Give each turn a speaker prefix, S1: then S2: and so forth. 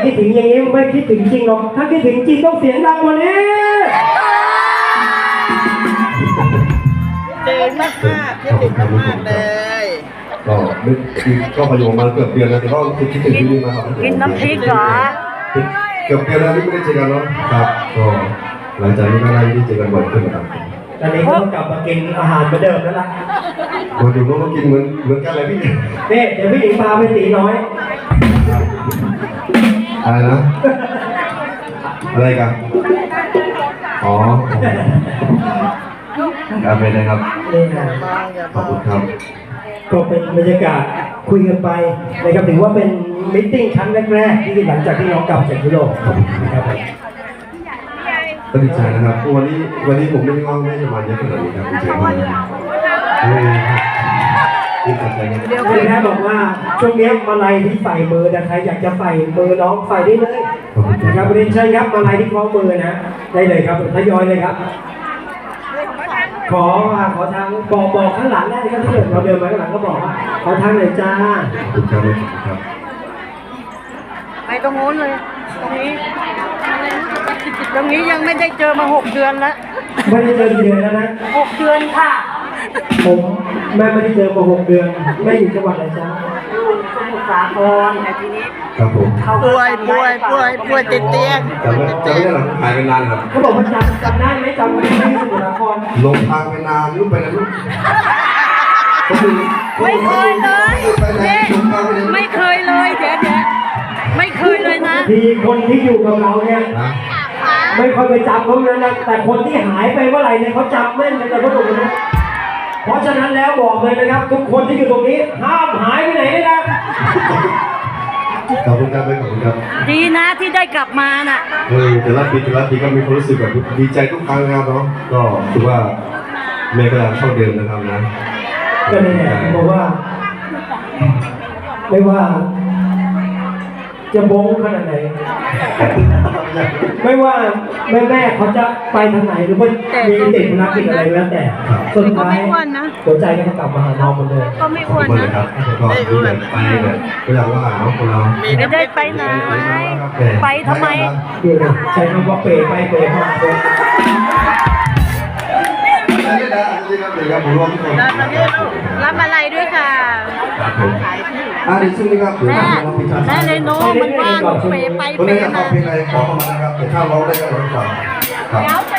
S1: คิดถึงอย่างนี้ไม่คิดถึงจริงหรอกถ้าคิดถึงจริงต้องเสียงดังกว่านี้
S2: เจนมากคิดถึงมากเลย
S3: ก็นึกก็พยุงมาเกือบเดือนแล้วแต่ก็คิดถึงที่นี่มาครับ
S4: กินน้ำพริกเหรอ
S3: เกือบเดือนแล้วที่ไม่ได้เจอกันเนาะครับก็หลังจากนี้ก็ได้ที่เจอกันบ่อยขึ้นนะครับ
S1: ตอนนี้ก็ต้องกลับมากินอาหารเหมือนเดิมแล้วล่ะ
S3: มาดูน้องกินเหมือนกันเลยพี่
S1: นี่เดี๋ยวพี่หญิงพาไปตีน้อย
S3: อะไรนะอะไรกันอ๋อครับเป็นนะครับขอบคุณครับ
S1: ก็เป็นบรรยากาศคุยกันไปนะครับถือว่าเป็นมิทติ้งครั้งแรกๆที่หลังจากที่น้องกลับจากยุโรปนะครับ
S3: ก็ดีใจนะครับวันนี้ผมไม่ได้ว่างไม่จะมาเยอะขนาดนี้ครับดีใจมากดีใจครับ
S1: คุณแม่บอกว่าช่วงนี้มาลัยที่ใส่มือนะใครอยากจะใส่มือน้องใส่ได้เลยนะครับเรียนเชิญครับมาลัยที่คล้องมือนะได้เลยครับทยอยเลยครับขอทางบอกข้างหลังได้ครับถ้าเกิดเราเดินมาข้างหลังก็บอกว่าขอทางหน่อยจ้า
S3: ครับ
S4: ไปตรงโน้นเลยตรงนี้ยังไม่ได้เจอมา6 เดือนแล้ว
S1: ไม่ได้เจอกี่เดือนแล้วนะ
S4: 6 เดือนค่ะ
S1: ผมแม่ไม่ได้เจอมา6 เดือนแม่อยู่จังหวัดอะไรจ้า
S4: สมุทรสาครแต่ทีนี้
S3: ครับผม
S2: ป่วยติดเตียง
S3: จำไม่ได้หรอกหายไปนานครับ
S1: เขาบอกว่าจำได้ไหมจำไม่ได้สมุทรสาคร
S3: ลงทางไปนานลูกไปนะลูก
S4: ไม่เคยเลยไม่เคยเลยเดี๋ยวไม่เคยเลยนะ
S1: ทีคนที่อยู่กับเราเนี่ยไม่ค่อยไปจำเขาเลยนะแต่คนที่หายไปเมื่อไหร่เนี่ยเขาจำแม่นเลยเขาบอกนะเพราะฉะนั้นแล้วบอกเลยนะครับทุกคนที่อยู่ตรงนี้ห้ามหายไปไหนเลยนะ
S3: ขอบคุณครับขอบคุณครับ
S4: ดีนะที่ได้กลับมาน่ะ
S3: แต่ละปีก็มีความรู้สึกแบบดีใจทุกครั้งนะครับเนาะก็ถือว่าแม่ก็ยังเท่าเดิมนะครับนะ
S1: ก็นี่แหละบอกว่าไม่ว่าจะโบ้งขนาดไหนไม่ว่าแม่เขาจะไปทางไหนหรือว่ามีติดภารกิจอะไรแล้วแต่สุดท้ายหัวใจก็กลับมาหาน้องเหมือนเดิม
S4: ก็ไม่อ้วนนะ
S3: ก็ดูแบบไปแบบก็อยากว่าน้องคนเรา
S4: ไม่ได้ไปไหนไปทำไม
S1: ใช้คำว่าเปย์ไปเปย์มา
S4: รับอะไรด้วยค่ะ
S3: เดี๋ยวช่วงนี้ครับ
S4: แม่เลยโน้มันว่างเปย์ไปเปย์มา
S3: ขอเข้ามานะครับแต่ถ้าเราได้ก็ร้องก่อนครับ